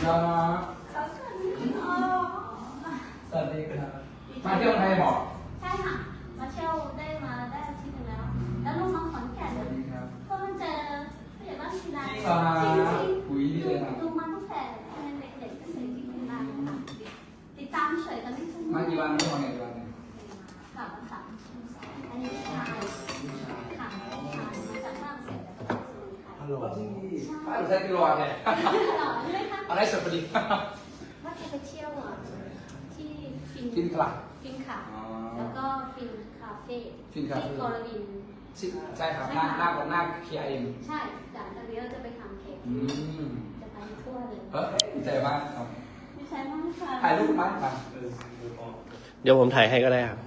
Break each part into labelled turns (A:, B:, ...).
A: ก็สวัสดีครับมาเที่ยวไทยบอก
B: ใช่ค่ะมาเที่ยวได้มาได้อาทิตย์นึงแล้วแล้วลูกน้องขอนแก่นก็มาเจอผู้ใหญ่บ้านศิลาจริงๆดูมาตั้งแต่เป็นเด็กๆก็เสร็จที่ศิลาค่ะติดตามเฉยกันไม่ถึง
A: มากี่วันไม่พอกี่วัน
B: ค่ะมา3 อันนี้ชายค่ะมาจากบ้านเสร็จแล้ว
A: ฮัลโหลป้าใช้กิโลอะไรอะไรสุดพอดี
B: ว่าจะไปเที่ยวที่
A: ฟินคลับ
B: แล้วก็ฟินคาเฟ่ที่กรวิน
A: ใช่ครับหน้าเคลียร์เอง
B: ใช่จากนี้เราจะไปทำเค้กจะไปทั่วเลย
A: ดีใจมากครับ
B: ดีใจมากค่ะ
A: ถ่ายรูปมากครับ
C: เดี๋ยวผมถ่ายให้ก็ได้ครับ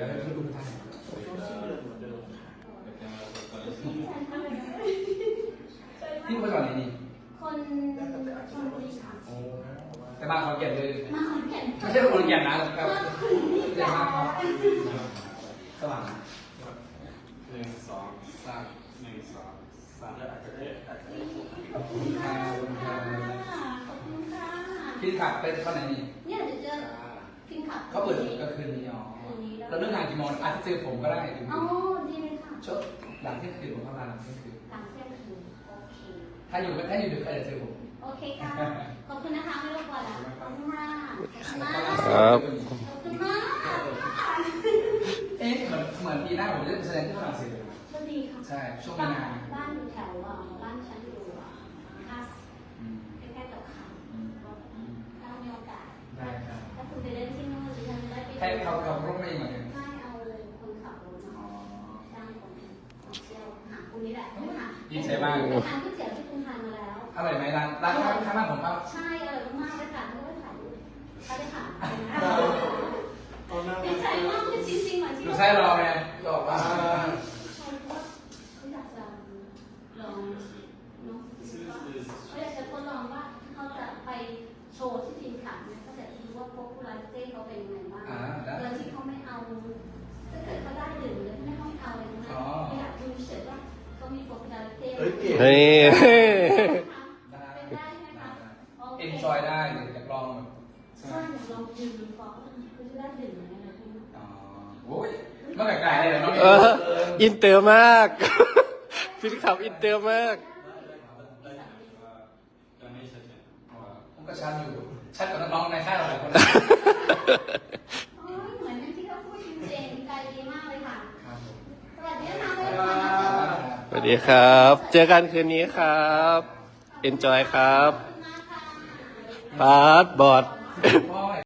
A: พี่คนก่อนไหนนี่
B: คนบุรีค่ะ
A: แต่มาขอนแก่นเลย
B: มาขอนแก่น
A: ไม่ใช่คนขอนแก่นนะครับใหญ่มากครับสว่าง
D: 1 2 3 1 2 3
B: ขอบคุณค่ะขอบคุณค่ะ
A: พี่ขับไปตอนไหนนี่
B: เนี่ยเดี๋ยวจะฟินขับ
A: เขาเปิดก็คืนนี้อ๋อแล้วเรื่องงานกี่โมงอาจจะเจอผมก็ได้
B: อ๋อดีเลยค่ะ
A: ช่วงหลังเที่ยงคืนผมเข้ามาหลังเที่ยงคืน
B: หลังเที่ยงคืนโอเค
A: ถ้าอยู่ดึกก็จะเจอผม
B: โอเคค่ะขอบคุณนะคะไม่รบกวนแล้วขอบคุณมาก
C: ครับ
B: ขอบคุณมาก
A: เอ๊ะเหมือนปีหน้าผมจะแสดงที่ฝรั่งเศสเลย
B: ก็ดีค่ะ
A: ใช่ช่วงมีนา
B: บ้านอยู่แถวบ้านฉันอยู่คัสใกล้ๆกับเขาถ้ามีโอกาส
A: ได้ครับ
B: ถ้าคุณไปเล่นที่นู่นดิฉันได้ไป
A: ให้เขารถไม่เหมือนกัน
B: ไม่เอาเลยคนขับรถจ้างคนเที่ยวหาคุณนี่แหละ
A: ดีใจมาก
B: ทานก๋วยเตี๋ยวที่คุณทานมาแล้ว
A: อร่อยไหมร้านข้างบ้านผมครับ
B: ใช่อร่อยมากเลยค่ะไม่ได้ถ่ายเขาได้ถ่ายดีใจมากเลยจริงๆเหมือนที่
A: ดูใช่รอไงบอกว่า
B: เขาอยากจะลองเนาะเขาอยากจะทดลองว่าเขาจะไปโชว์ที่ฟินขับเนี่ยเขาจะดูว่าพวกผู้ไลฟ์เต้เขาเป็นยังไงบ้างโดยที่เขาไม่เอาถ้าเกิดเขาได้ดื่มเลยไม่ต้องเอาเลยนะเขาอยากดูเฉยว่าเขามีพวกผู้ไลฟ์เต้
C: เฮ้ย
A: เอ็นจอยได้อยากลองแบบ
B: ใช่อยากลองดื่มฟองคือจะได้ดื่มอะไรพวกนี้
A: โอ้ยมันไกลๆเลยเนาะ
C: อินเตอร์มากฟินขับอินเตอร์มาก
A: ผมก็ชัดอยู่ชัดกว่าน้องๆในค่ายเราหลายคน
B: เหมือนที่เขาพูดจริงๆใจดีมากเลยค่ะสวัสดีค่ะ
C: สวัสดีครับเจอกันคืนนี้ครับเอนจอยครับพาสบอร์ด